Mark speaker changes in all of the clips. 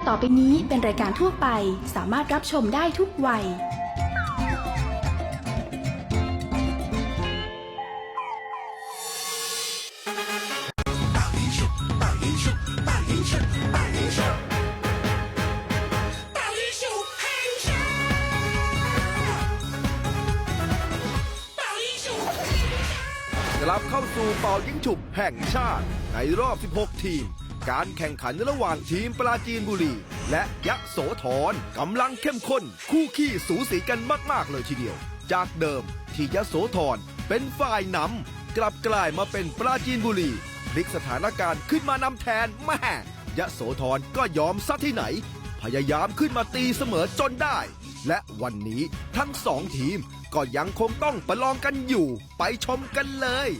Speaker 1: ต่อไปนี้เป็นรายการทั่วไปสามารถรับชมได้ทุกวัย
Speaker 2: กลับเข้าสู่เป่ายิงฉุบแห่งชาติในรอบ 16 ทีม การแข่งขันระหว่างทีมปราจีนบุรีและยโสธรกำลังเข้มข้นคู่ขี้สูสีกันมากๆเลยทีเดียว จากเดิมที่ยโสธรเป็นฝ่ายนำกลับกลายมาเป็นปราจีนบุรีพลิกสถานการณ์ขึ้นมานำแทนแม่ยโสธรก็ยอมซะที่ไหน พยายามขึ้นมาตีเสมอจนได้ และวันนี้ทั้งสองทีมก็ยังคงต้องประลองกันอยู่ไปชมกันเลย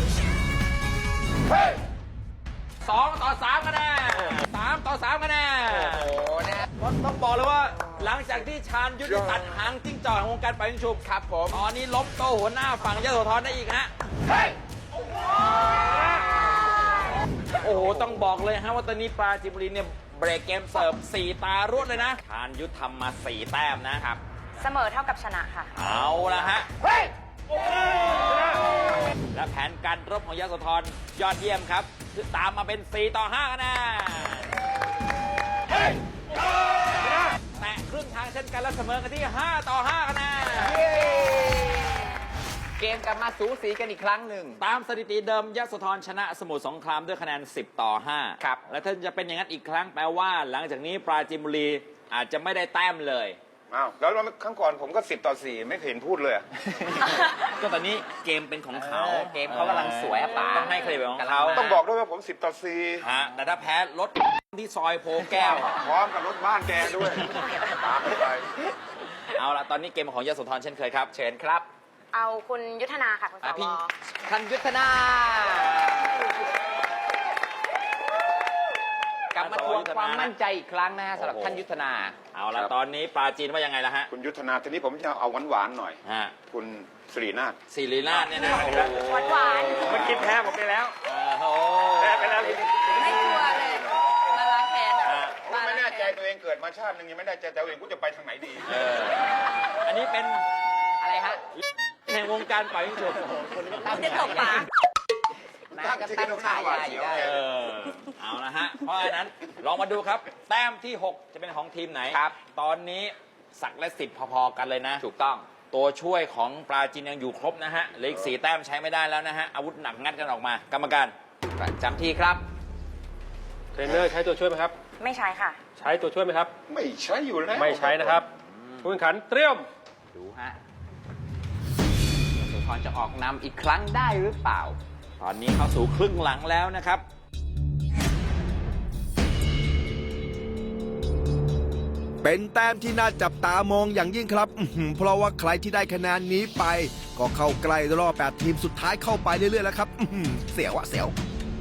Speaker 3: 2-3 คะแนน3-3 คะแนนโอ้โหนะต้องบอกเลยว่าหลังจากที่ชาญยุทธตัดหางจิ้งจอกของวงการปล่อยยิงฉุบครับผมตอนนี้ล้มโตหัวหน้าฝั่งยโสธรได้อีกฮะโอ้โหต้องบอกเลยฮะว่าตอนนี้ปราจีนบุรีเนี่ยเบรกเกมเสิร์ฟ4 ตารวดเลยนะชาญยุทธทำมา4 แต้มนะครับ
Speaker 4: เสมอเท่ากับชนะค่ะ
Speaker 3: เอาละฮะและแผนการรบของยโสธรยอดเยี่ยมครับคือตามมาเป็น4-5 คะแนนแตะครึ่งทางเช่นกันและเสมอกันที่5-5 คะแนน
Speaker 5: เกมกลับมาสูสีกันอีกครั้งหนึ่ง
Speaker 3: ตามสถิติเดิมยโสธรชนะสมุทรสงครามด้วยคะแนน10-5
Speaker 5: ครับ
Speaker 3: และถ้าจะเป็นอย่างนั้นอีกครั้งแปลว่าหลังจากนี้ปราจีนบุรีอาจจะไม่ได้แต้มเลย
Speaker 6: อ้าวแล้วครั้งก่อนผมก็10-4ไม่เห็นพูดเลย
Speaker 3: ก็ตอนนี้เกมเป็นของเขา
Speaker 5: เกมเขากำลังสวยป่า
Speaker 3: ต้องให้เครดิตของเขา
Speaker 6: ต้องบอกด้วยว่าผม10-4
Speaker 3: ฮะแต่ถ้าแพ้รถที่ซอยโพแก้ว
Speaker 6: พร้อมกับรถบ้านแกด้วยตามไป
Speaker 3: เอาละตอนนี้เกมของยโสธรเช่นเคยครับเชิญครับ
Speaker 4: เอาคุณยุทธนาค่ะคุณสว
Speaker 5: ท่านยุทธนากลับมาทวงความมั่นใจอีกครั้งนะฮะสำหรับท่านยุทธนา
Speaker 3: เอาละตอนนี้ปราจีนว่ายังไงล่ะฮะ
Speaker 6: คุณยุทธนาทีนี้ผมจะเอาหวานๆหน่อยคุณสิรินาถ
Speaker 3: เนี่ยนะ
Speaker 4: หวาน
Speaker 3: เมื่อกี้แพ้ผมไปแล้ว
Speaker 6: แพ้ไปแล้ว
Speaker 4: ไม่กลัวเลยมาล้างแค้น
Speaker 6: ไม่แน่ใจตัวเองเกิดมาชาตินึงยังไม่แน่ใจตัวเองกูจะไปทางไหนดี
Speaker 3: อันนี้เป็น
Speaker 5: อะไรฮะ
Speaker 3: ในวงการปล่อยยิงฉุบ
Speaker 4: จะตบปาก
Speaker 5: ตั้งฉายาอยู่ได้
Speaker 3: เอาละฮะเพราะฉะนั้นลองมาดูครับแต้มที่6จะเป็นของทีมไหน
Speaker 5: ครับ
Speaker 3: ตอนนี้ศักดิ์และสิทธิ์พอๆกันเลยนะ
Speaker 5: ถูกต้อง
Speaker 3: ตัวช่วยของปราจีนยังอยู่ครบนะฮะเหลืออีก4 แต้มใช้ไม่ได้แล้วนะฮะอาวุธหนักงัดกันออกมากรรมการ
Speaker 5: จำที่ครับ
Speaker 7: เทรนเนอร์ใช้ตัวช่วยไหมครับ
Speaker 4: ไม่ใช้ค่ะ
Speaker 7: ใช้ตัวช่วยไหมครับ
Speaker 6: ไม่ใช้อยู่แล้ว
Speaker 7: ไม่ใช้นะครับผู้แข่งขันเตรียม
Speaker 5: ดูฮะยโสธรจะออกนำอีกครั้งได้หรือเปล่า
Speaker 3: ตอนนี้เข้าสู่ครึ่งหลังแล้วนะครับ
Speaker 2: เป็นแต้มที่น่าจับตามองอย่างยิ่งครับเพราะว่าใครที่ได้คะแนนนี้ไปก็เข้าใกล้รอบ8 ทีมสุดท้ายเข้าไปเรื่อยๆแล้วครับเสียวอะเสียว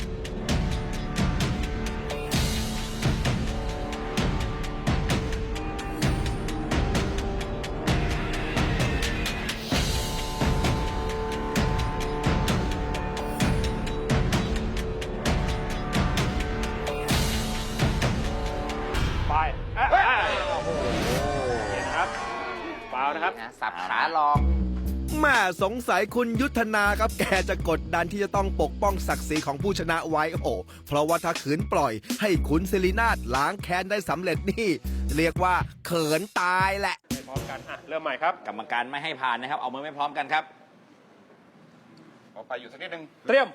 Speaker 7: นะครับ
Speaker 5: สับขาลอง
Speaker 2: แม่สงสัยคุณยุทธนาครับแกจะกดดันที่จะต้องปกป้องศักดิ์ศรีของผู้ชนะไว้โอ้เพราะว่าถ้าขืนปล่อยให้คุณศิรินาถล้างแค้นได้สำเร็จนี่เรียกว่าเขินตายแหละ
Speaker 7: พร้อมกันเริ่มใหม่ครับ
Speaker 3: กรรมการไม่ให้ผ่านนะครับเอามือไม่พร้อมกันครับ
Speaker 6: ขอไปอยู่สักนิดนึง
Speaker 7: เตรียม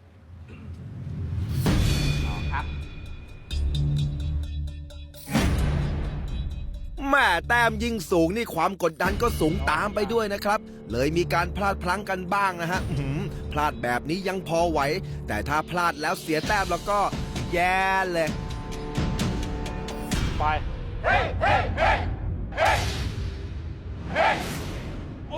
Speaker 5: ครับ
Speaker 2: แม่แต้มยิงสูงนี่ความกดดันก็สูงตามไปด้วยนะครับเลยมีการพลาดพลั้งกันบ้างนะฮะพลาดแบบนี้ยังพอไหวแต่ถ้าพลาดแล้วเสียแต้มแล้วก็แย่เลย
Speaker 7: ไปเฮ้เฮ้เฮ้เฮ้เฮ้โอ้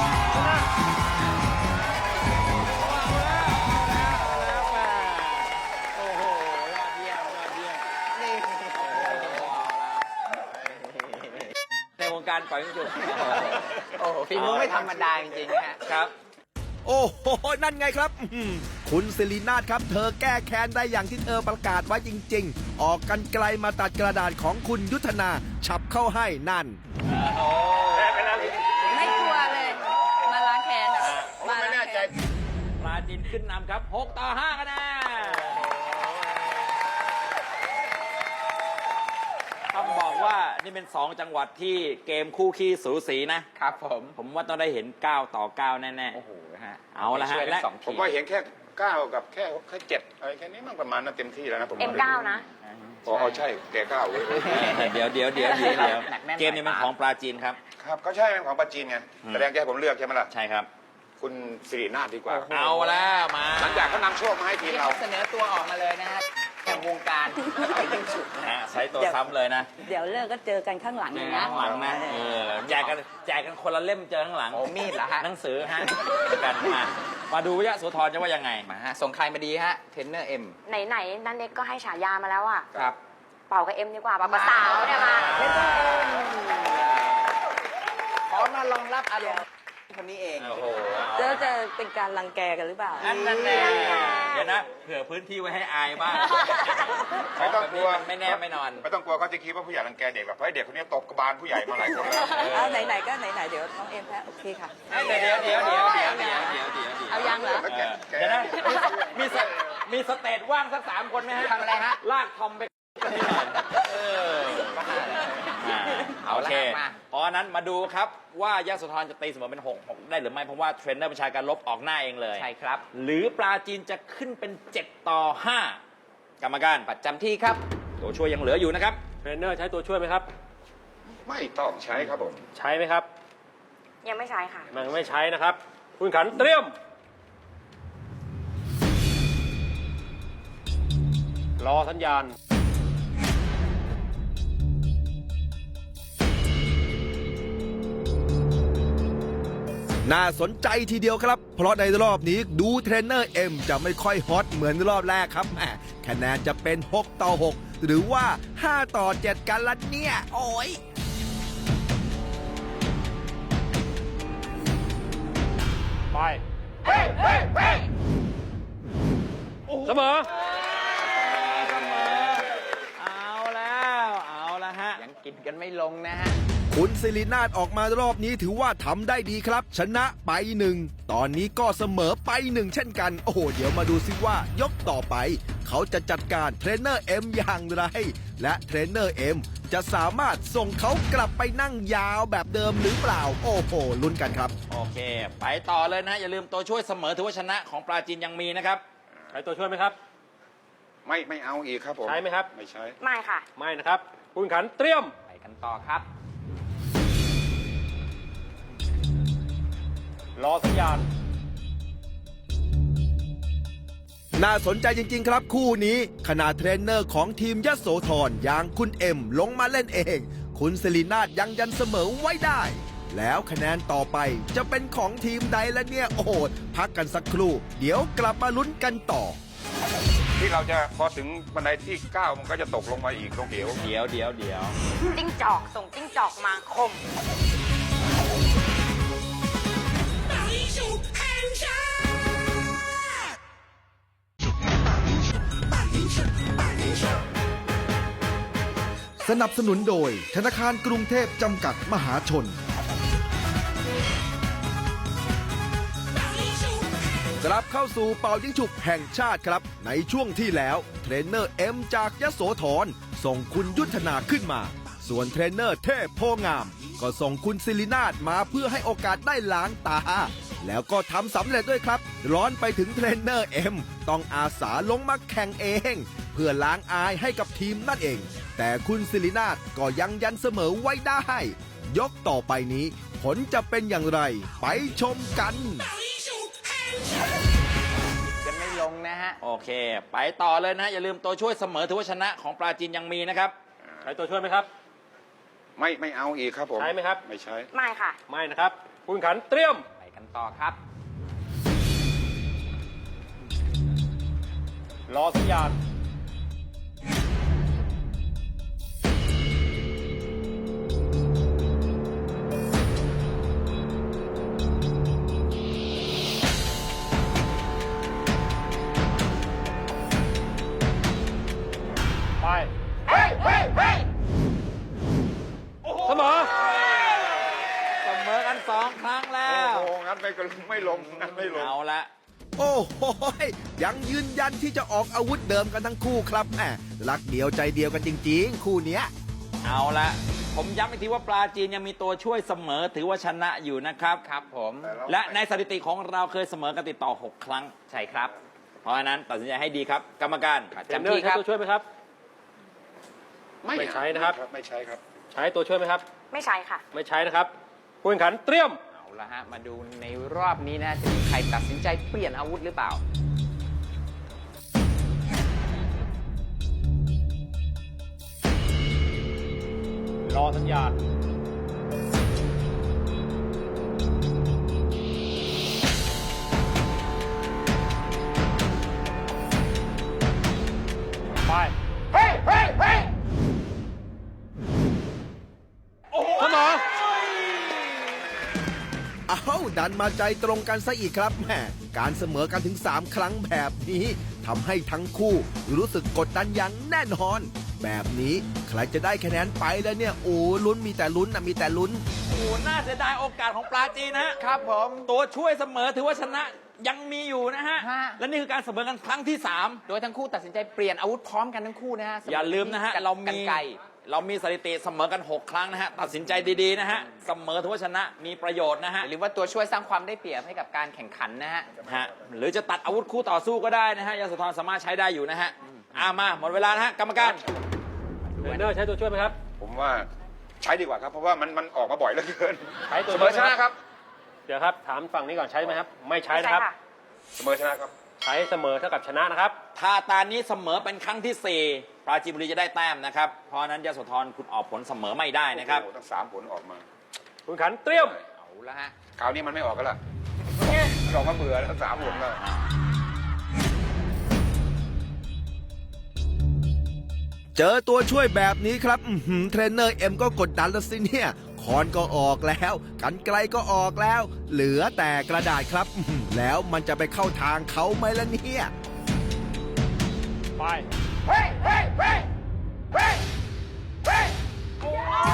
Speaker 3: การปล่อยยิงฉุบ
Speaker 5: โอ้โหฝีมือไม่ธรรมดาจริงๆ
Speaker 3: นะครับ
Speaker 2: โอ้โหนั่นไงครับคุณศิรินาถครับเธอแก้แค้นได้อย่างที่เธอประกาศไว้จริงๆออกกันไกลมาตัดกระดาษของคุณยุทธนาฉับเข้าให้นั่น
Speaker 4: ไม่กลัวเลย มาล้างแค้นอะมา
Speaker 6: ไม่
Speaker 4: ล้าง
Speaker 6: แน่
Speaker 4: แค้
Speaker 6: ใจ
Speaker 4: น
Speaker 3: ปราจีนขึ้นนำครับ 6 ต่อ 5 คะแนนต้องบอกว่านี่เป็น 2 จังหวัดที่เกมคู่ขี้สูสีนะ
Speaker 5: ครับผม
Speaker 3: ผมว่าต้องได้เห็น 9 ต่อ 9 แน่
Speaker 5: โอ้โหฮะ
Speaker 3: เอาละฮะ
Speaker 5: ช่วยทั้
Speaker 3: และ
Speaker 5: งสอง
Speaker 6: ผ
Speaker 5: ที
Speaker 6: มว่าเห็นแค่9กับแค่7อะไรแค่นี้มันประมาณนั้นเต็มที่แล้วนะผมว่า
Speaker 4: M9 นะ
Speaker 6: อ๋อใช่แก9เว้ย
Speaker 3: เดี๋ยวเกมนี้เป็นของปราจีนครับ
Speaker 6: ครับก็ใช่เป็นของปาจีนไงแสดงจะให้ผมเลือกใช่ไหมล่ะ
Speaker 3: ใช่ครับ
Speaker 6: คุณสิรินาถดีกว่า
Speaker 3: เอาแล้วมา
Speaker 6: หลังจากเขานำโชคมาให้ทีม
Speaker 5: ที่
Speaker 6: เรา
Speaker 5: เขาเสนอตัวออกมาเลยนะฮะแห่งวงการเอายิ่งฉุกนะ
Speaker 3: ฮะใช้ตัวซ้ำเลยนะ
Speaker 4: เดี๋ยวเลิกก็เจอกันข้างหลังเลยนะ
Speaker 3: ข้างหลังนะแจกกันคนละเล่มเจอข้างหลัง
Speaker 5: โอ้มีดเหรอฮะ
Speaker 3: หนังสือฮะกันมาดูวิยะโสธรจะว่ายังไง
Speaker 5: มาฮะส่งใครมาดีฮะเทรนเนอร์เอ็ม
Speaker 4: ไหนๆนันเน็กก็ให้ฉายามาแล้วอ่ะ
Speaker 5: ครับ
Speaker 4: เป่ากับเอ็มดีกว่าเป่ากับสาวเนี่ยมา
Speaker 5: ขอมารองรับอารมณ์คนนี้เอง
Speaker 3: โอ้โห
Speaker 4: แล้วจะเป็นการรังแกกันหรือเปล่า
Speaker 3: นั่นแน่เดี๋ยวนะเผื่อพื้นที่ไว้ให้อายบ้าง
Speaker 6: ไม่ต้องกลัว
Speaker 3: ไม่แน่ไม่นอน
Speaker 6: ไม่ต้องกลัวเขาจะคิดว่าผู้ใหญ่รังแกเด็กหรอกเพราะไอ้เด็กคนนี้ตบกระบาลผู้ใหญ่มาหลายคนแล้ว
Speaker 4: เอาไหนๆก็ไหนๆเดี๋ยวน้องเอ็มแพ้โอเคค่ะ
Speaker 3: เดี๋ยว
Speaker 4: เอายังเหรอ
Speaker 6: แล้วแก
Speaker 3: เดี๋ยวนะมีสเตจว่างสัก3 คนไหมฮะ
Speaker 5: ทำอะไรฮะ
Speaker 3: ลากทอมไปกันนิดหน่อยโอเคเพราะฉะนั้นมาดูครับว่ายโสธรจะตีเสมอเป็น6 ได้หรือไม่เพราะว่าเทรนเนอร์บัญชาการลบออกหน้าเองเลย
Speaker 5: ใช่ครับ
Speaker 3: หรือปราจีนจะขึ้นเป็น7 ต่อ 5 กรรมการ
Speaker 5: ประจำที่ครับ
Speaker 3: ตัวช่วยยังเหลืออยู่นะครับ
Speaker 7: เทรนเนอร์ใช้ตัวช่วยไหมครับ
Speaker 6: ไม่ต้องใช้ครับผม
Speaker 7: ใช้ไหมครับ
Speaker 4: ยังไม่ใช้ค่ะ
Speaker 7: มันไม่ใช้นะครับ คุณขันเตรียม รอสัญญาณ
Speaker 2: น่าสนใจทีเดียวครับ เพราะในรอบนี้ดูเทรนเนอร์เอ็มจะไม่ค่อยฮอตเหมือนรอบแรกครับแหมคะแนนจะเป็น 6 ต่อ 6 หรือว่า 5 ต่อ 7 กันละเนี่ย โอ้ย
Speaker 7: ไป เสมอ
Speaker 3: เอาแล้วฮะ
Speaker 5: ยังกินกันไม่ลงนะฮะ
Speaker 2: คุณศิรินาถออกมารอบนี้ถือว่าทำได้ดีครับ ชนะไป 1 ตอนนี้ก็เสมอไป 1 เช่นกัน โอ้โห เดี๋ยวมาดูซิว่ายกต่อไป เขาจะจัดการเทรนเนอร์เอ็มอย่างไร และเทรนเนอร์เอ็มจะสามารถส่งเขากลับไปนั่งยาวแบบเดิมหรือเปล่า โอ้โหลุ้นกันครับ
Speaker 3: โอเค ไปต่อเลยนะ อย่าลืมตัวช่วยเสมอถือว่าชนะของปราจีนยังมีนะครับ
Speaker 7: ใช้ตัวช่วยไหมครับ
Speaker 6: ไม่เอาอีกครับผม
Speaker 7: ใช้ไหมครับ
Speaker 6: ไม่ใช้
Speaker 4: ไม่ค่ะ
Speaker 7: ไม่นะครับ คุณขันเตรียม
Speaker 5: ไปกันต่อครับ
Speaker 7: รอสัญญาณ
Speaker 2: น่าสนใจจริง ๆ ครับคู่นี้ขณะเทรนเนอร์ของทีมยโสธรอย่างคุณเอ็มลงมาเล่นเอง คุณศิรินาถยังยันเสมอไว้ได้ แล้วคะแนนต่อไปจะเป็นของทีมใดละเนี่ย โอ้โห พักกันสักครู่ เดี๋ยวกลับมาลุ้นกันต่อ
Speaker 6: ที่เราจะพอถึงบันไดที่ 9 มันก็จะตกลงมาอีกตรงเหว
Speaker 3: เดี๋ยว
Speaker 4: จิ้งจอกส่งจิ้งจอกมาคม
Speaker 2: สนับสนุนโดยธนาคารกรุงเทพจำกัดมหาชน กลับเข้าสู่เป่ายิงฉุบแห่งชาติครับ ในช่วงที่แล้วเทรนเนอร์เอ็มจากยโสธรส่งคุณยุทธนาขึ้นมา ส่วนเทรนเนอร์เทพโพงาม ก็ส่งคุณศิรินาถมาเพื่อให้โอกาสได้ล้างตา แล้วก็ทำสำเร็จด้วยครับ ร้อนไปถึงเทรนเนอร์เอ็มต้องอาสาลงมาแข่งเอง เพื่อล้างอายให้กับทีมนั่นเอง แต่คุณศิรินาถก็ยังยันเสมอไว้ได้ ยกต่อไปนี้ ผลจะเป็นอย่างไร ไปชมกัน
Speaker 5: กันไม่ลงนะฮะ
Speaker 3: โอเค ไปต่อเลยนะ อย่าลืมตัวช่วยเสมอถือว่าชนะของปราจีนยังมีนะครับ
Speaker 7: ใช้ตัวช่วยไหมครับ
Speaker 6: ไม่เอาอีกครับผม
Speaker 7: ใช้ไหมครับ
Speaker 6: ไม่ใช้
Speaker 4: ไม่ค่ะ
Speaker 7: ไม่นะครับ คุณขันเตรียม
Speaker 5: ไปกันต่อครับ
Speaker 7: รอสัญญาณ ไป
Speaker 6: นั้นไม่ลงนั้นไม่ลง
Speaker 3: เอาละ
Speaker 2: โอ้โหยังยืนยันที่จะออกอาวุธเดิมกันทั้งคู่ครับแหมรักเดียวใจเดียวกันจริงๆ คู่เนี้ย
Speaker 3: เอาละผมย้ำอีกทีว่าปลาจีนยังมีตัวช่วยเสมอถือว่าชนะอยู่นะครับ
Speaker 5: ครับผม
Speaker 3: และในสถิติของเราเคยเสมอกันติดต่อ 6 ครั้ง
Speaker 5: ใช่ครับ
Speaker 3: เพราะฉะนั้นตัดสินใจให้ดีครับ กรรมการ
Speaker 5: จำที่ครับ
Speaker 7: ตัวช่วยไหมครับ ไม่ใช้นะครับ
Speaker 6: ไม่ใช้ครับ
Speaker 7: ใช้ตัวช่วยไหมครับ
Speaker 4: ไม่ใช่ค่ะ
Speaker 7: ไม่ใช้นะครับผู้แข่งขันเตรียม
Speaker 5: เอาละฮะ มาดูในรอบนี้นะจะมีใครตัดสินใจเปลี่ยนอาวุธหรือเปล่า
Speaker 7: รอสัญญาณ ไป
Speaker 6: เฮ้ยเฮ้ยเฮ้ย
Speaker 7: เสมอ
Speaker 2: เอาดันมาใจตรงกันซะอีกครับแหมการเสมอกันถึง 3 ครั้งแบบนี้ทำให้ทั้งคู่รู้สึกกดดันอย่างแน่นอน แบบนี้ใครจะได้คะแนนไปแล้วเนี่ยโอ้ลุ้นมีแต่ลุ้นนะมีแต่ลุ้น
Speaker 3: โอ้โหน่าเสียดายโอกาสของปลาจีนนะฮะ
Speaker 5: ครับผม
Speaker 3: ตัวช่วยเสมอถือว่าชนะยังมีอยู่นะฮะ
Speaker 5: ฮะ
Speaker 3: และนี่คือการเสมอกันครั้งที่
Speaker 5: โดยทั้งคู่ตัดสินใจเปลี่ยนอาวุธพร้อมกันทั้งคู่นะฮะ
Speaker 3: 3 อย่าลืมนะฮะ เรา
Speaker 5: กั
Speaker 3: มี
Speaker 5: นไกล
Speaker 3: สถิติเสมอกัน 6 ครั้งนะฮะ ตัดสินใจดีๆนะฮะ เสมอถือว่าชนะมีประโยชน์นะฮะ
Speaker 5: หรือว่าตัวช่วยสร้างความได้เปรียบให้กับการแข่งขันนะฮะ
Speaker 3: ฮะหรือจะตัดอาวุธคู่ต่อสู้ก็ได้นะฮะยาสุธรสามารถใช้ได้อยู่นะฮะมาหมดเวลานะฮะกรรมการ
Speaker 7: เทรนเนอร์ใช้ตัวช่วยไหมครับ
Speaker 6: ผมว่าใช้ดีกว่าครับ เพราะว่ามันออกมาบ่อยเหลือเกิน
Speaker 7: ใช้ตัว
Speaker 6: เส
Speaker 7: ช่
Speaker 6: ม
Speaker 7: วย
Speaker 6: อ
Speaker 7: ไห
Speaker 6: ชนะครับ
Speaker 7: เดี๋ยวครับ ถามฝั่งนี้ก่อนใช้ไหมครับ ไม่ใช้
Speaker 4: ไม่
Speaker 7: นะ
Speaker 4: ใช่
Speaker 7: ครับ
Speaker 4: ค่ะ
Speaker 6: เสมอชนะครับ
Speaker 7: ใช้เสมอเท่ากับชนะนะครับ
Speaker 3: ถ้าตานี้เสมอเป็นครั้งที่ 4 ปราจีนบุรีจะได้แต้มนะครับ เพราะฉะนั้นยาสุธรคุณออกผลเสมอไม่ได้นะครับ
Speaker 6: โอ้โหทั้ง3 ผลออกมา
Speaker 7: ผู้แข่งขันเตรียม
Speaker 5: เอาละฮะ
Speaker 6: คราวนี้มันไม่ออกกันละมันออกมาเบื่อแล้ว3 ผลแล้ว
Speaker 2: เจอตัวช่วยแบบนี้ครับเทรนเนอร์เอ็มก็กดดันแล้วสิเนี่ยคอนก็ออกแล้วกันไกลก็ออกแล้ว เหลือแต่กระดาษครับแล้วมันจะไปเข้าทางเขาไหมล่ะเนี่ย
Speaker 7: ไป
Speaker 6: เฮ้ยเฮ้ยเฮ้ยเฮ้ยเฮ้ย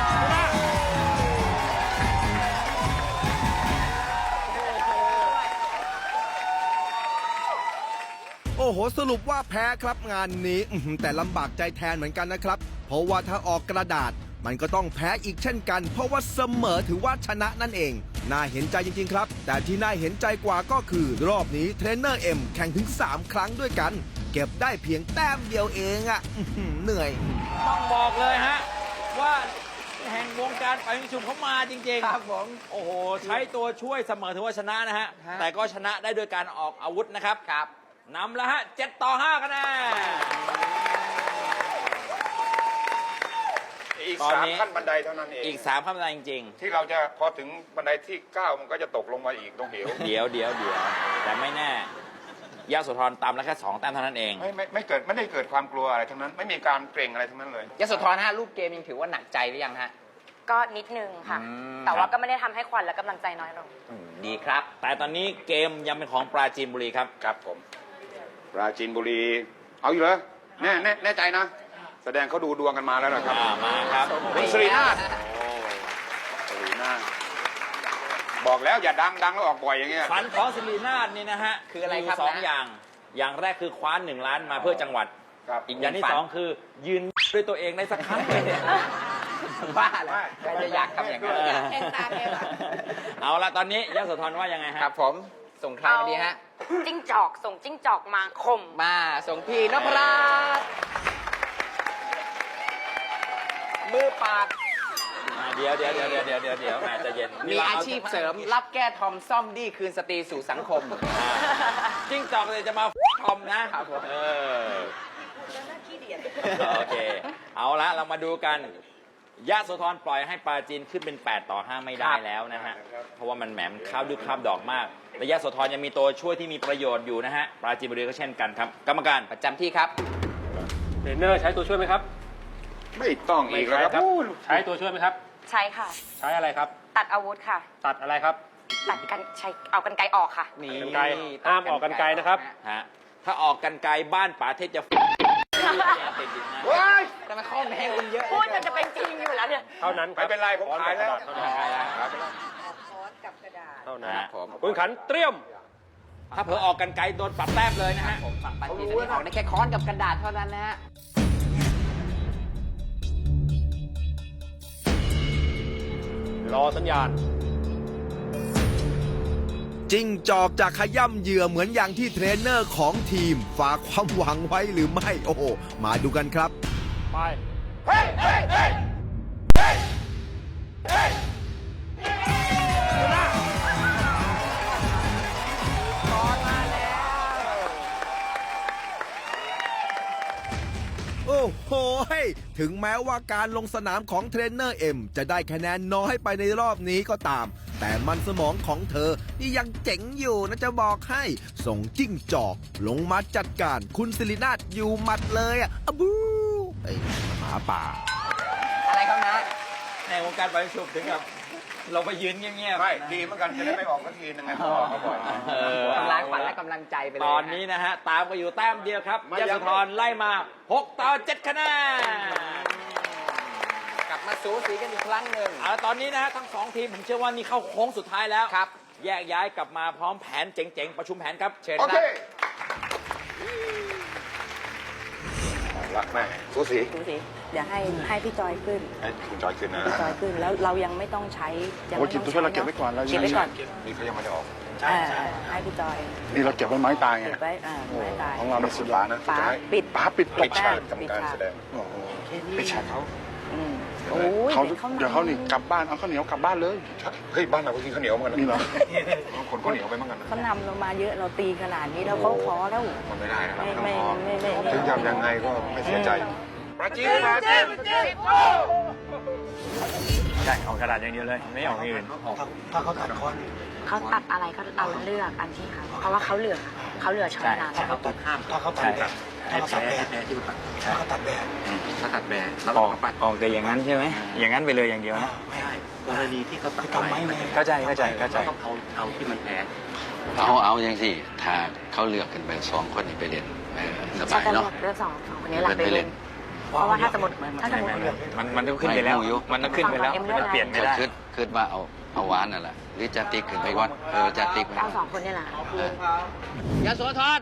Speaker 2: โอ้โหสรุปว่าแพ้ครับงานนี้แต่ลำบากใจแทนเหมือนกันนะครับ เพราะว่าถ้าออกกระดาษ มันก็ต้องแพ้อีกเช่นกัน เพราะว่าเสมอถือว่าชนะนั่นเอง น่าเห็นใจจริงๆครับ แต่ที่น่าเห็นใจกว่าก็คือรอบนี้เทรนเนอร์เอ็มแข่งถึง 3 ครั้งด้วยกัน เก็บได้เพียงแต้มเดียวเองอะเหนื่อย
Speaker 3: ต้องบอกเลยฮะ ว่าแห่งวงการไปยิงฉุบเขามาจริงๆ
Speaker 5: ครับผม
Speaker 3: โอ้โห ใช้ตัวช่วยเสมอถือว่าชนะนะฮะ
Speaker 5: ฮะ
Speaker 3: แต่ก็ชนะได้โดยการออกอาวุธนะครับ
Speaker 5: ครับ
Speaker 3: นำแล้วฮะ7-5คะแนน
Speaker 6: อีก
Speaker 3: ตอนนี้
Speaker 6: 3 ขั้นบันไดเท่านั้นเอง
Speaker 3: อีก3ขั้นบันไดจริง
Speaker 6: ที่เราจะพอถึงบันไดที่ 9 มันก็จะตกลงมาอีกตรงเหว
Speaker 3: ๆ เดี๋ยวแต่ไม่แน่ยาสุธรตามแล้วแค่2 แต้มเท่านั้นเอง
Speaker 6: ไม่ได้เกิดความกลัวอะไรทั้งนั้น ไม่มีการเกรงอะไรทั้งนั้นเลย
Speaker 5: ยโสธรฮะรูปเกมยังถือว่าหนักใจหรือยังฮะ
Speaker 4: ก็นิดนึงค่ะ
Speaker 5: อืม
Speaker 4: แต่ว่าก็ไม่ได้ทำให้ขวัญและกำลังใจน้อยลง
Speaker 5: ดีครับ
Speaker 3: แต่ตอนนี้เกมยังเป็นของปราจีนบุรีครับ
Speaker 6: ครับผม ปราจีนบุรี เอาอยู่เหรอแน่ใจนะ แสดงเขาดูดวงกันมาแล้วนะครับ
Speaker 3: มาครับ
Speaker 6: คุณสิรินาถสิรินาถบอกแล้วอย่าดังแล้วออกบ่อยอย่างเงี้ย
Speaker 3: ฝันของศิรินาถนี่นะฮะ
Speaker 5: คืออะไรครับ
Speaker 3: มี2
Speaker 5: นะ
Speaker 3: อย่าง อย่างแรกคือคว้า1 ล้านมาเพื่อจังหวัด
Speaker 6: ครับ
Speaker 3: อีกอย่างที่ 2 คือยืนด้วยตัวเองได้สักครั้งหนึ่ง
Speaker 5: บ้าเลยใครจะอยากทำอย่างนั้น
Speaker 4: แข่งตาแกเหรอ
Speaker 3: เอาละตอนนี้ยโสธรว่ายังไงฮะ
Speaker 5: ครับผม ส่งใครมาดีฮะ
Speaker 4: จิ้งจอกส่งจิ้งจอกมาคม
Speaker 5: มาส่งพี่นพรัตน์มือปราด
Speaker 3: เดี๋ยวแหมใจะเย็น
Speaker 5: มีอาชีพเสริม รับแก้ทอมซ่อมดี้คืนสตรีสู่สังคม
Speaker 3: จิ้งจอกเลยจะมาทอมนะครับ
Speaker 5: ผม
Speaker 3: โอเค เอาละเรามาดูกันยะโสธรปล่อยให้ปราจีนขึ้นเป็น8-5ไม่ได้แล้วนะฮะ เพราะว่ามันแหมมข้าวดึกข้าวดอกมากและยะโสธรยังมีตัวช่วยที่มีประโยชน์อยู่นะฮะ ปราจีนบุรีก็เช่นกันครับ กรรมการ
Speaker 5: ประจำที่ครับ
Speaker 7: เทรนเนอร์ใช้ตัวช่วยไหมครับ
Speaker 6: ไม่ต้องอีกแล้วครับ
Speaker 7: ใช้ตัวช่วยไหมครับ
Speaker 4: ใช่ค่ะ
Speaker 7: ใช้อะไรครับ
Speaker 4: ตัดอาวุธค่ะ
Speaker 7: ตัดอะไรครับ
Speaker 4: ตัดกันใช้เอากันไกรออกค่ะ
Speaker 5: นี่
Speaker 7: กรรไกรห้ามออกกรรไกรนะครับ
Speaker 3: ฮะ ถ้าออกกันไกลบ้านป๋าเทศจะติดอีกนะ
Speaker 5: แต่มาข้อแม้คุณเยอะ
Speaker 4: พูดจนจะเป็นจริงอยู่แล้วเนี่ย
Speaker 7: เท่านั้นครั
Speaker 6: ไม่เป็นไรผมขายแล้ว
Speaker 7: เท่านั้น
Speaker 3: ขายแล้ว
Speaker 6: ขายไปแล้ว
Speaker 7: เท่านั้น
Speaker 3: ครับผม
Speaker 7: คุณขันเตรียม
Speaker 3: ถ้าเผลอออกกันไกลโดนปรับแต้มเลยนะฮะ
Speaker 5: ผมฝั่งปาจีนอันนี้ออกได้แค่ค้อนกับกระดาษเท่านั้นนะฮะ
Speaker 7: รอสัญญาณ
Speaker 2: จิ้งจอกจะขย่ำเหยื่อเหมือนอย่างที่เทรนเนอร์ของทีม ฝากความหวังไว้หรือไม่ โอ้โห มาดูกันครับ
Speaker 7: ไป
Speaker 2: โอ้โห ถึงแม้ว่าการลงสนามของเทรนเนอร์เอ็มจะได้คะแนนน้อยไปในรอบนี้ก็ตาม แต่มันสมองของเธอนี่ยังเจ๋งอยู่นะจะบอกให้ ส่งจิ้งจอกลงมาจัดการคุณศิรินาถอยู่หมัดเลยอะบูไอ้หมาป่า
Speaker 5: อะไรครับนะ
Speaker 3: ในวงการบอลชุบถึงกับเราไปยืนเงียบๆ
Speaker 6: ไม่
Speaker 3: นะ
Speaker 6: ดีเหมือนกันจะได้ไม่ออกสักทีนึงไงพ่อเขาบอก
Speaker 5: กำลังขวัญและกำลังใจไปเลย
Speaker 3: ตอนนี้นะฮะ ตามก็อยู่แต้มเดียวครับยโสธรไล่มา6 ต่อ 7 คะแนน
Speaker 5: กลับมาสูสีกันอีกครั้งหนึ่ง
Speaker 3: เอาละตอนนี้นะฮะทั้งสองทีมผมเชื่อว่านี่เข้าโค้งสุดท้ายแล้ว
Speaker 5: ครับ
Speaker 3: แยกย้ายกลับมาพร้อมแผนเจ๋งๆ ประชุมแผนครับ เชิญ
Speaker 6: โอ
Speaker 3: ค
Speaker 6: เค
Speaker 3: รับ
Speaker 6: รักแม่สูสี
Speaker 8: ดูสิเดี๋ยวให้พี่จอยขึ้น
Speaker 6: ให้คุณจอยขึ้นนะ
Speaker 8: พี่จอยขึ้นแล้วเรายังไม่ต้องใช้ยัง
Speaker 9: โอ้
Speaker 8: ไม่
Speaker 9: ย
Speaker 8: ต้อง
Speaker 9: ตัวช่วยเราเก็บไว้ก่อนเรา
Speaker 8: เก็บไว้ก่อน
Speaker 6: นี่เขายังไม่ได้ออก
Speaker 8: ให้พี่จอย
Speaker 9: นี่เราเก็บไว้ไม้ตายไง
Speaker 8: เก็บไว้ไม่ตาย
Speaker 9: ของเรา
Speaker 6: เรา
Speaker 9: ไม่
Speaker 6: สุ
Speaker 9: สุ
Speaker 6: ด
Speaker 9: ด
Speaker 6: ล้า
Speaker 9: ละ
Speaker 6: นะ
Speaker 8: ป๋า
Speaker 6: สุดท้าย
Speaker 8: ปิด
Speaker 9: ป๋าปิดต
Speaker 6: ปิ
Speaker 9: ก
Speaker 6: ดฉากทำการแสดง
Speaker 9: โอ้โห
Speaker 6: ปิดฉากเขา
Speaker 8: อืม
Speaker 6: เดี๋ยว
Speaker 8: โอ้ย
Speaker 9: เขา
Speaker 8: เดี๋ยว
Speaker 9: เดี๋ยวเขานี่กลับบ้านเอาข้าวเหนียวกลับบ้านเลย
Speaker 6: เฮ้ยบ้านเราก็กินข้าวเหนียวเหมือนกัน
Speaker 9: นี่เหรอ
Speaker 6: คนข้าวเหนียวไปเหมือนกันนะ
Speaker 8: เขานำเรามาเยอะเราตีขนาดนี้แล้วเขาท้อแล้ว
Speaker 6: มันไม่ได้นะครับ
Speaker 8: ไม่
Speaker 6: ต้องพอ
Speaker 8: ไม่
Speaker 6: ถึงทำยังไงก็ไม่เสียใจปราจีนปราจีน
Speaker 7: ใช่ออกกระดาษอย่างเดียวเลย ไม่ออกอย่างอื่น
Speaker 8: เขาตัดอะไรก็เราเลือกอันที่เขาเพราะว่าเขาเหลือช้อยนาน
Speaker 7: ใช่เขาตัดห้ามถ้าเขาตัดแบบถ้าเขาตัดแบบที่ตัดถ้าเขาตัดแบบถ้าตัดแบบแล้วออกแต่อย่างนั้นใช่ไหมอย่างนั้นไปเลยอย่างเดียวนะไม่ใช่กรณีที่เขาตัดอะไรเข้าใจต้องเอาที่มันแพ้
Speaker 10: เอาอย่างสิถ้าเขาเลือกกันไป2 คนนี่ไปเล่นสบาย
Speaker 8: จะ
Speaker 10: เนาะ
Speaker 8: เลือกสองคนนี้หลักไปเล่นเพราะว่าถ้าสมมติ
Speaker 7: มันต้องขึ้นไปแล้ว มันต้องขึ้นไปแล้วมันเปลี่ยนไม่ได้
Speaker 10: คิดว่าเอาหวานนั่นแหละหรือจะติ๊กขึ้นไปก่อนจะติ๊กไป
Speaker 8: เอาสองคนนี่แหละ
Speaker 5: ยโสธร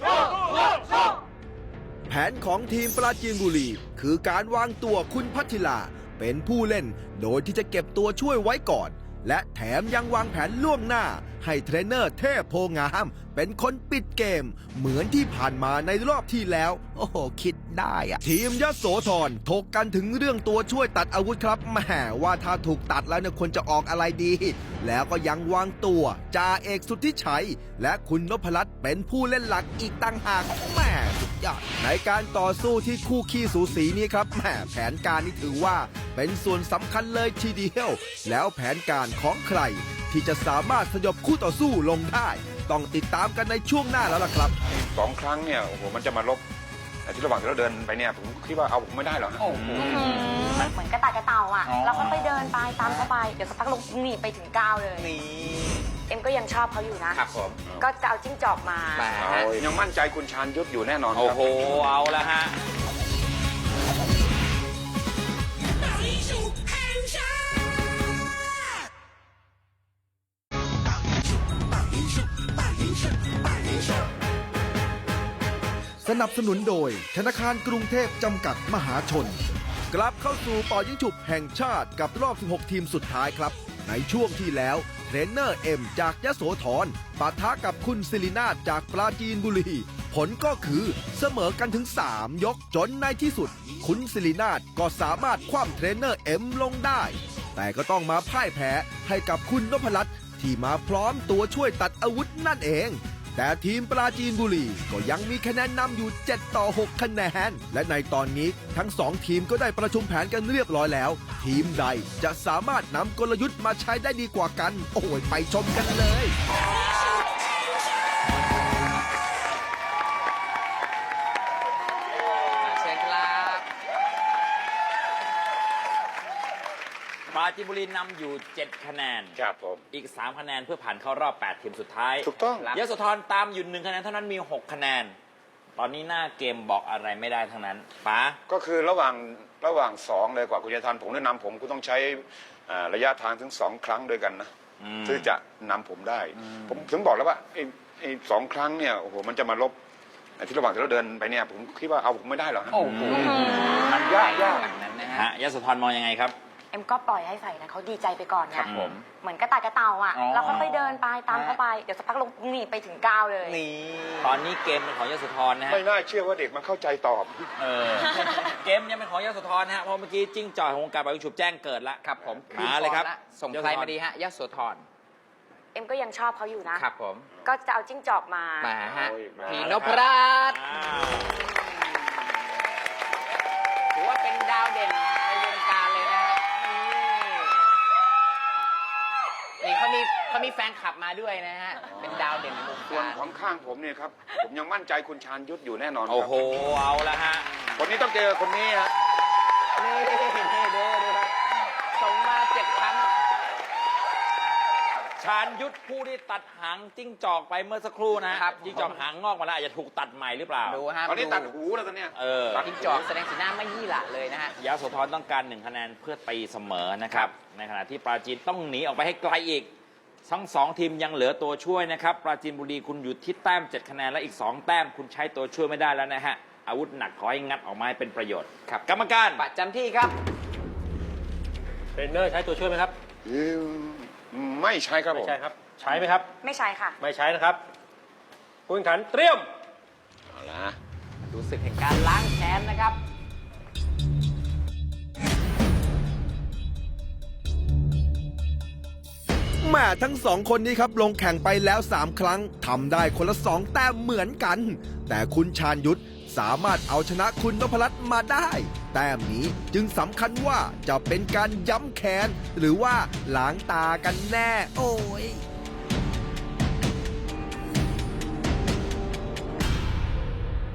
Speaker 2: แผนของทีมปราจีนบุรี คือการวางตัวคุณพัทธิลาเป็นผู้เล่น โดยที่จะเก็บตัวช่วยไว้ก่อน และแถมยังวางแผนล่วงหน้า ให้เทรนเนอร์เทพโพงาม เป็นคนปิดเกม เหมือนที่ผ่านมาในรอบที่แล้ว โอ้โห คิดได้อะทีมยโสธรถกกันถึงเรื่องตัวช่วยตัดอาวุธครับแหมว่าถ้าถูกตัดแล้วเนี่ยควรจะออกอะไรดี แล้วก็ยังวางตัวจ่าเอกสุทธิชัย และคุณนพรัตน์เป็นผู้เล่นหลักอีกต่างหากแหม่สุดยอดในการต่อสู้ที่คู่ขี้สูสีนี้ครับแหมแผนการนี้ถือว่าเป็นส่วนสำคัญเลยทีเดียว แล้วแผนการของใคร ที่จะสามารถสยบคู่ต่อสู้ลงได้ ต้องติดตามกันในช่วงหน้าแล้วล่ะครับ
Speaker 6: 2 ครั้งเนี่ยโอ้โหมันจะมาลบแต่ที่ระหว่างที่เราเดินไปเนี่ยผมคิดว่าเอาผมไม่ได้หรอกนะ
Speaker 4: เหมือนกระต่ายกระเต่าอ่ะ เราก็ไปเดินไปตามเขาไป เดี๋ยวสักพักลงหนีไปถึง9เลย เอ็มก็ยังชอบเขาอยู่นะ
Speaker 3: ครับผม
Speaker 4: ก็จะเอาจิ้งจอกมา
Speaker 6: เอายังมั่นใจคุณชาญยุทธอยู่แน่นอนค
Speaker 3: โอ้
Speaker 6: รับ
Speaker 3: โห เอาละฮะ
Speaker 2: สนับสนุนโดยธนาคารกรุงเทพจำกัดมหาชน กลับเข้าสู่เป่ายิงฉุบแห่งชาติกับรอบ 16 ทีมสุดท้ายครับ ในช่วงที่แล้วเทรนเนอร์เอ็มจากยโสธรปะทะกับคุณศิรินาถจากปราจีนบุรี ผลก็คือเสมอกันถึง 3 ยกจนในที่สุด คุณศิรินาถก็สามารถคว่ำเทรนเนอร์เอ็มลงได้ แต่ก็ต้องมาพ่ายแพ้ให้กับคุณนพรัตน์ที่มาพร้อมตัวช่วยตัดอาวุธนั่นเอง แต่ทีมปราจีนบุรีก็ยังมีคะแนนนำอยู่7 ต่อ 6 คะแนน และในตอนนี้ทั้ง 2 ทีมก็ได้ประชุมแผนกันเรียบร้อยแล้ว ทีมใดจะสามารถนำกลยุทธ์มาใช้ได้ดีกว่ากัน โอ้ยไปชมกันเลย
Speaker 5: เชิญครับ
Speaker 3: ปราจีนบุรีนำอยู่ 7 คะแนน
Speaker 6: ครับผม
Speaker 3: อีก 3 คะแนนเพื่อผ่านเข้ารอบ 8 ทีมสุดท้าย
Speaker 6: ถูกต้อง
Speaker 3: ยโสธรตามอยู่ 1 คะแนนเท่านั้นมี 6 คะแนน ตอนนี้หน้าเกมบอกอะไรไม่ได้ทั้งนั้นป๋า
Speaker 6: ก็คือระหว่าง2เลยกว่าคุณจะทันผมแนะนำผมคุณต้องใช้ระยะทางถึง2 ครั้งด้วยกันนะที่จะนำผมได้ ผมถึงบอกแล้วว่าไอ้2 ครั้งเนี่ยโอ้โหมันจะมาลบที่ระหว่างที่เราเดินไปเนี่ยผมคิดว่าเอาผมไม่ได้หรอกฮะ
Speaker 5: โอ้โห
Speaker 6: มันยาก
Speaker 5: นั้นนะ
Speaker 3: ฮะ
Speaker 5: ฮะ
Speaker 3: ยโสธรมองยังไงครับ
Speaker 4: เอ็มก็ปล่อยให้ใส่นะเขาดีใจไปก่อนไง
Speaker 5: ครับผม
Speaker 4: เหมือนกระต่ายกระเต่าอ่ะ
Speaker 5: อ๋อ
Speaker 4: เราค่อยๆเดินไปตามเขาไปเดี๋ยวสักพักลงนี่ไปถึง9เลย
Speaker 5: นี่
Speaker 3: ตอนนี้เกมเป็นของยโสธรนะฮะ
Speaker 6: ไม่น่าเชื่อว่าเด็กมันเข้าใจตอบ
Speaker 3: เกมยังเป็นของยโสธรนะฮะเพราะเมื่อกี้จิ้งจอกของวงการบอลฉุบแจ้งเกิดละ
Speaker 5: ครับผม
Speaker 3: มาเลยครับ
Speaker 5: ส่งใครมาดีฮะยโสธร
Speaker 4: เอ็มก็ยังชอบเขาอยู่นะ
Speaker 5: ครับผม
Speaker 4: ก็จะเอาจิ้งจอกมา
Speaker 5: มาฮะ
Speaker 6: โอ้ยมา
Speaker 5: พี่นพรัตน์
Speaker 3: อ้าว
Speaker 5: ถือว่าเป็นดาวเด่นในวงการเลยนะฮะนี่เขามีแฟนคลับมาด้วยนะฮะ เป็นดาวเด่นในวง
Speaker 6: ส่วน
Speaker 5: การ
Speaker 6: ของข้างผมเนี่ยครับ ผมยังมั่นใจคุณชาญยุทธอยู่แน่นอนครับ
Speaker 3: โอ้โห เอาละฮะ
Speaker 6: คนนี้ต้องเจอคนนี้ฮะ
Speaker 5: นี่ดูครับส่งมา7 ครั้ง
Speaker 3: ชาญยุทธผู้ที่ตัดหางจิ้งจอกไปเมื่อสักครู่นะฮะ
Speaker 5: ครับ
Speaker 3: จิ้งจอกหางงอกมาแล้วอาจจะถูกตัดใหม่หรือเปล่า
Speaker 5: ดูฮะ
Speaker 6: ตอนนี้ตัดหูแล้วตอนเนี้ย
Speaker 3: เออ
Speaker 5: จิ้งจอกแสดงสีหน้าไม่ยี่หละเลยนะฮะ
Speaker 3: ยโสธรต้องการ1 คะแนนเพื่อตีเสมอนะครับ ในขณะที่ปราจีนต้องหนีออกไปให้ไกลอีก ทั้ง2 ทีมยังเหลือตัวช่วยนะครับ ปราจีนบุรีคุณอยู่ที่แต้ม7 คะแนนและอีก2 แต้มคุณใช้ตัวช่วยไม่ได้แล้วนะฮะ อาวุธหนักขอให้งัดออกมาให้เป็นประโยชน์
Speaker 5: ครับ
Speaker 3: กรรมการ
Speaker 5: ประจำที่ครับ
Speaker 7: เทรนเนอร์ใช้ตัวช่วยไหมครับ
Speaker 6: ไม่ใช่ครับผม
Speaker 7: ใช่ครับ ใช้ไหมครับ
Speaker 4: ไม่ใช่ค่ะ
Speaker 7: ไม่ใช้นะครับผู้แข่งขันเตรียม
Speaker 6: เอาละ
Speaker 5: ดูศึกแห่งการล้างแค้นนะครับ
Speaker 2: แม่ทั้ง2 คนนี้ครับลงแข่งไปแล้ว 3 ครั้งทำได้คนละ 2 แต้มเหมือนกัน แต่คุณชาญยุทธสามารถเอาชนะคุณนพรัตน์มาได้ แต้มนี้จึงสำคัญว่าจะเป็นการย้ำแค้นหรือว่าล้างตากันแน่ โอ้ย
Speaker 7: ไป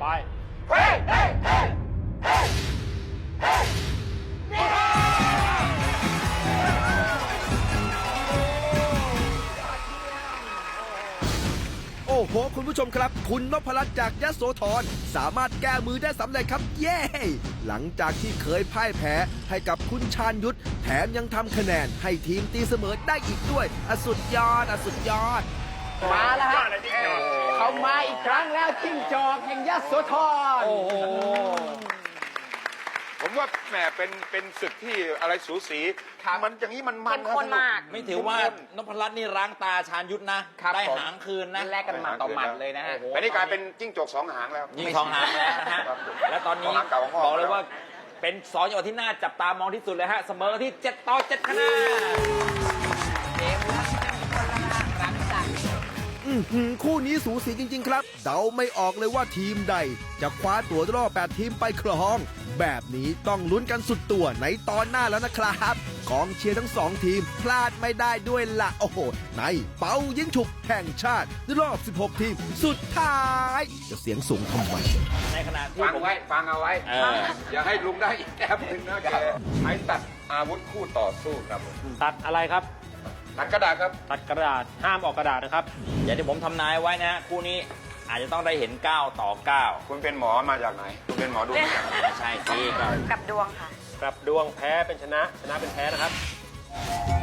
Speaker 2: โอ้โห คุณผู้ชมครับ คุณนพรัตน์จากยโสธรสามารถแก้มือได้สำเร็จครับ เย้ หลังจากที่เคยพ่ายแพ้ให้กับคุณชาญยุทธแถมยังทำคะแนนให้ทีมตีเสมอได้อีกด้วยสุดยอดสุดยอด
Speaker 5: มาแล้วฮะเขามาอีกครั้งแล้วจิ้งจอกแห่งยโสธร
Speaker 3: โอ้โห
Speaker 6: ผมว่าแหมเป็นศึกที่อะไรสูสี
Speaker 5: ครับ
Speaker 6: มันอย่างนี้มัน
Speaker 4: เข้มข้นมาก
Speaker 3: ไม่ถือว่านพรัตน์นี่ล้างตาชาญยุทธนะ
Speaker 5: ครับ
Speaker 3: ได้
Speaker 5: ผม
Speaker 3: หางคืนนะ
Speaker 5: แลกกันหมัดต่อหมัดเลยนะฮะ
Speaker 6: แต่นี่กลายเป็นจิ้งจก2 หางแล้ว
Speaker 3: ยิงทองหางแล้วนะฮะ
Speaker 6: ครับ
Speaker 3: และตอนนี้
Speaker 6: ทองหางเก่าของพ่อ
Speaker 3: บอกเลยว่าเป็น2 จังหวะที่น่าจับตามองที่สุดเลยฮะ เสมอที่7 ต่อ 7 คะแนน
Speaker 5: เกมรักคนละครั้งจัง
Speaker 2: คู่นี้สูสีจริง ๆ ครับ เดาไม่ออกเลยว่าทีมใด จะคว้าตัวรอบ8 ทีมไปครอง แบบนี้ต้องลุ้นกันสุดตัวในตอนหน้าแล้วนะครับกองเชียร์ทั้ง 2 ทีมพลาดไม่ได้ด้วยละโอ้โห ในเป้ายิงฉุบแห่งชาติรอบ 16 ทีม สุดท้าย จะเสียงสูงทำไม
Speaker 3: ในขณะที่
Speaker 6: ฟัง
Speaker 3: ผม
Speaker 6: ไว้ฟังเอาไว้
Speaker 3: เออ
Speaker 6: อย่าให้ลุงได้อีกแอบหนึ่งนะแกใช้ตัดอาวุธคู่ต่อสู้ครับผม
Speaker 7: ตัดอะไรครับ
Speaker 6: ตัดกระดาษครับ
Speaker 7: ตัดกระดาษ ห้ามออกกระดาษนะครับ
Speaker 3: อย่างที่ผมทำนายไว้นะฮะคู่นี้อาจจะต้องได้เห็น 9 ต่อ 9
Speaker 6: คุณเป็นหมอมาจากไหน คุณเป็นหมอดูมาจากไหน
Speaker 3: ไม่ใช่สิก็
Speaker 4: กับดวงค่ะ
Speaker 7: กลับดวงแพ้เป็นชนะ ชนะเป็นแพ้นะครับ